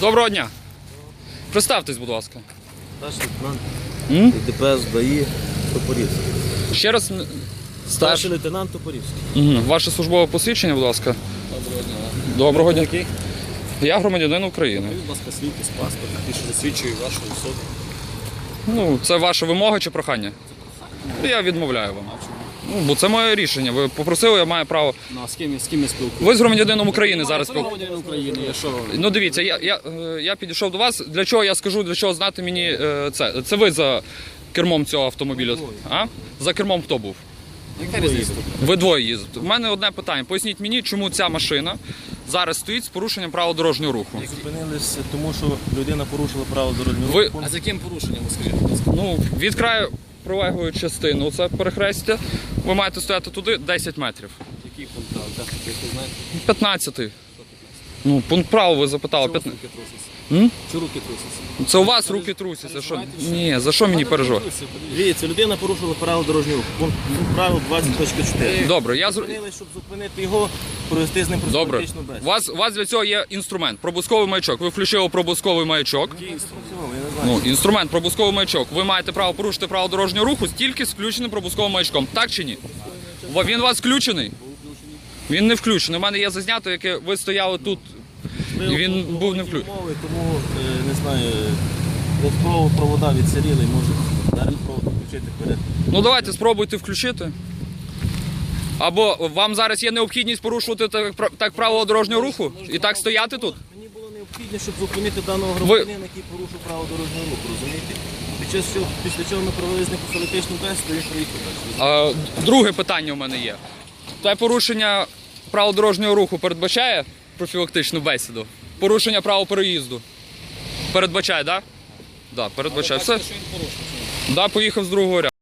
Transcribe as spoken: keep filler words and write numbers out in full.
Доброго дня. Представтесь, будь ласка. Старший лейтенант М? ДПС ДАІ Топорівський. Ще раз. н- Старший лейтенант Топорівський. Угу. Ваше службове посвідчення, будь ласка. Доброго дня. Доброго дня. Який? Я громадянин України. Будь ласка, свідки з паспорт, який що засвідчує вашу особу. Ну, це ваша вимога чи прохання? Я відмовляю вам. Ну, бо це моє рішення. Ви попросили, я маю право. Ну, а з ким, з ким я спілкуюся? Ви з громадянином України зараз Я спілкуєтесь. громадянин України, я що? Ну дивіться, я, я, е, я підійшов до вас. Для чого я скажу, для чого знати мені е, це? Це ви за кермом цього автомобіля? А? За кермом хто був? Яка різниця? Ви двоє їздите. У мене одне питання. Поясніть мені, чому ця машина зараз стоїть з порушенням правил дорожнього руху? Зупинились, тому що людина порушила право дорожнього Ви- руху. А з яким порушенням, скажіть, будь ласка? Ну, від краю прилеглої частини, це перехрестя, ви маєте стояти туди десять метрів. Який пункт прав? Так, як ви знаєте, п'ятнадцятий. Ну, пункт правил ви запитали. чого у вас п'ятнадцятий. руки трусяться? М? Чи руки трусяться? Це у вас руки трусяться. Що? Ні, за що мені переживати? Дивіться, людина порушила право дорожнього руху. Пункт пункт правил двадцять точка чотири. Добре, я зр... Зупинились, щоб зупинити його, провести з ним Добре. профілактичну У бесіду. вас, у вас для цього є інструмент. Пробузковий маячок. Ви включили пробузковий маячок. Я не знаю. Ну, інструмент, пробузковий маячок. Ви маєте право порушити право дорожнього руху тільки з включеним пробузковим маячком. Так чи ні? Во- Він у вас включений? Він не включений. У мене є зазнято, яке ви стояли тут. І він був не включений. Мови, тому, е, не знаю, додатково провода відсиріли і може зараз провод включити вперед. Ну давайте спробуйте включити. Або вам зараз є необхідність порушувати так, пра- так правила дорожнього руху і так стояти тут? Мені було необхідно, щоб зупинити даного громадянина, який порушив право дорожнього руху, розумієте? Під час цього, після чого ми провели з ним профілактичну бесіду, він проїхав далі. А, друге питання у мене є. Те порушення правил дорожнього руху передбачає профілактичну бесіду? Порушення правил переїзду? Передбачає, так? Да? Так, да, передбачає. Все. Бачите, що він порушив? Да, поїхав з другого ряду.